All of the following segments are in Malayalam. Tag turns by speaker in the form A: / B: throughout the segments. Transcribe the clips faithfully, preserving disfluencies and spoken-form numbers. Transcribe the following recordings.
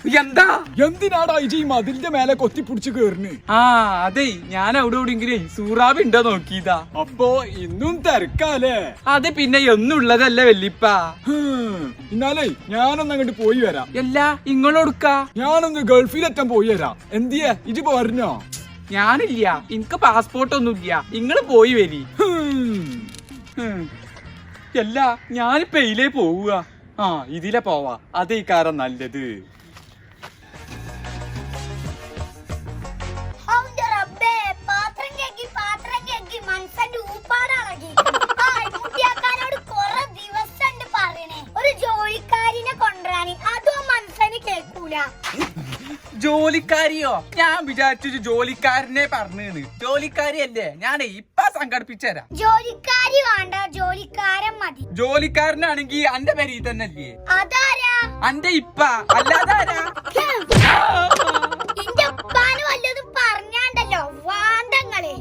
A: എന്താ
B: എന്തിനാടാ ഇജി മതിലിന്റെ മേലെ കൊത്തിപ്പിടിച്ച് കേറിന്?
A: ആ അതെ, ഞാൻ അവിടെ എവിടെയെങ്കിലേ സൂറാബ് ഉണ്ടോ നോക്കിയതാ.
B: അപ്പൊ ഇന്നും തിരക്കാലേ?
A: അത് പിന്നെ എന്നുള്ളതല്ല വല്ലിപ്പ.
B: എന്നാലേ ഞാനൊന്ന് അങ്ങോട്ട് പോയി വരാം.
A: എല്ലാ ഇങ്ങളോടുക്കാ?
B: ഞാനൊന്ന് ഗൾഫിലെത്താൻ പോയി വരാം. എന്തിയെ ഇജി പറഞ്ഞോ?
A: ഞാനില്ല, എനിക്ക് പാസ്പോർട്ട് ഒന്നുമില്ല. ഇങ്ങള് പോയി വരി. അല്ല ഞാനിപ്പ എയിലേ പോവുക. ആ ഇതിലെ പോവാ, അതേ കാരം നല്ലത്. ജോലിക്കാരിയോ? ഞാൻ വിചാരിച്ചു ജോലിക്കാരനെ പറഞ്ഞേന്ന്. ജോലിക്കാരിയല്ലേ? ഞാൻ ഇപ്പൊ സംഘടിപ്പിച്ചരാ.
C: ജോലിക്കാരി വേണ്ട, ജോലിക്കാരൻ മതി.
A: ജോലിക്കാരനാണെങ്കി അന്റെ പേര് തന്നെ അല്ലേ?
C: അതാരാ?
A: അന്റെ ഇപ്പ അല്ലാതാരാ?
C: എന്റെ ഉപ്പാന് വല്ലതും പറഞ്ഞാണ്ടല്ലോ വാണ്ടങ്ങളെ.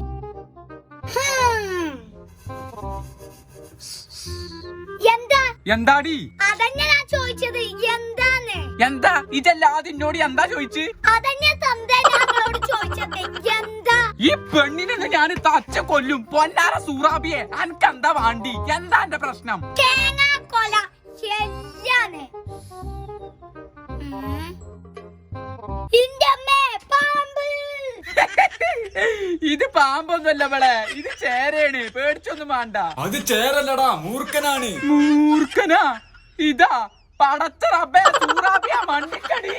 C: എന്താ
A: എന്താടി?
C: അതന്നെ ഞാൻ ചോദിച്ചത്. എന്താന്ന്?
A: എന്താ ഇതല്ലാതെ എന്നോട് എന്താ ചോദിച്ചു?
C: അതന്നെ തന്തേ ഞങ്ങളോട് ചോദിച്ചത്. എന്താ?
A: ഈ പെണ്ണിനെ ഞാൻ തച്ച കൊല്ലും. പൊന്നാര സൂറാബിയെ, അനക്കെന്താ വാണ്ടി? എന്താ എന്റെ പ്രശ്നം?
C: തേങ്ങാ കൊല ശരിയാണ്.
A: ഇത് പാമ്പൊന്നുമല്ല ഇവളെ, ഇത് ചേരയാണ്. പേടിച്ചൊന്നും വേണ്ട.
B: അത് ചേരല്ലടാ, മൂർഖനാണ്.
A: മൂർഖനാ? ഇതാ പടച്ച റബ്ബേ, സൂറാബിയ മണ്ണിക്കടി.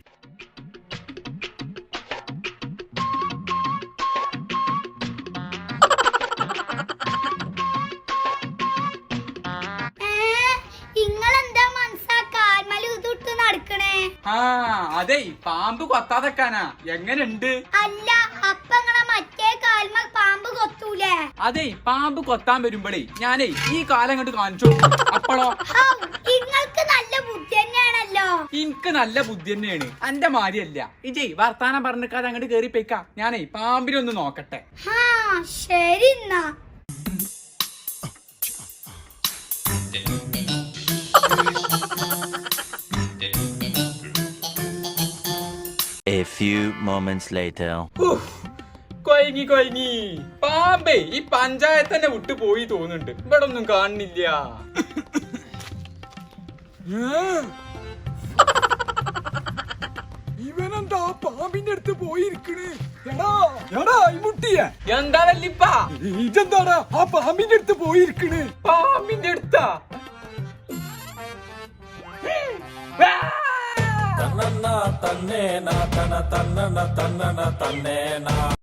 C: ഇങ്ങളെന്താ മനസ്സാക്കാൽമല് തൊട്ട് നടക്കണേ?
A: ആ അതെ, പാമ്പ് കൊത്താതെക്കാനാ. എങ്ങനുണ്ട്?
C: അല്ല, അപ്പ ഇങ്ങളെ മറ്റേ കാൽമ പാമ്പ് കൊത്തൂലേ?
A: അതെ, പാമ്പ് കൊത്താൻ വരുമ്പോഴേ ഞാനേ ഈ കാലം കണ്ട് കാണിച്ചു. അപ്പളോ
C: ഇങ്ങൾക്ക് നല്ല ബുദ്ധി തന്നെയാണല്ലോ.
A: എനിക്ക് നല്ല ബുദ്ധി തന്നെയാണ്, എന്റെ മാരിയല്ല. ഇജേ വർത്താനം പറഞ്ഞിക്കാതെ അങ്ങോട്ട് കേറി പോയിക്കാ. ഞാനേ പാമ്പിനൊന്ന് നോക്കട്ടെ.
C: ഹാ ശരി എന്നാ.
D: A few moments later.
A: കൊയങ്ങി കൊയങ്ങി. പാമ്പേ ഈ പഞ്ചായത്ത് തന്നെ വിട്ടു പോയി തോന്നുന്നുണ്ട്. ഇവിടെ ഒന്നും കാണുന്നില്ല.
B: ഇവനെന്താ പാമ്പിന്റെ അടുത്ത് പോയിരിക്കണ്? എടാ എടാ മുട്ടിയ
A: എന്താ വല്ലിപ്പ?
B: ഇതെന്താടാ ആ പാമ്പിന്റെ അടുത്ത് പോയിരിക്കണ്?
A: പാമ്പിന്റെ അടുത്താ?
E: തന്നന്ന തന്നേന തന തന്നന തന്നന തന്നേന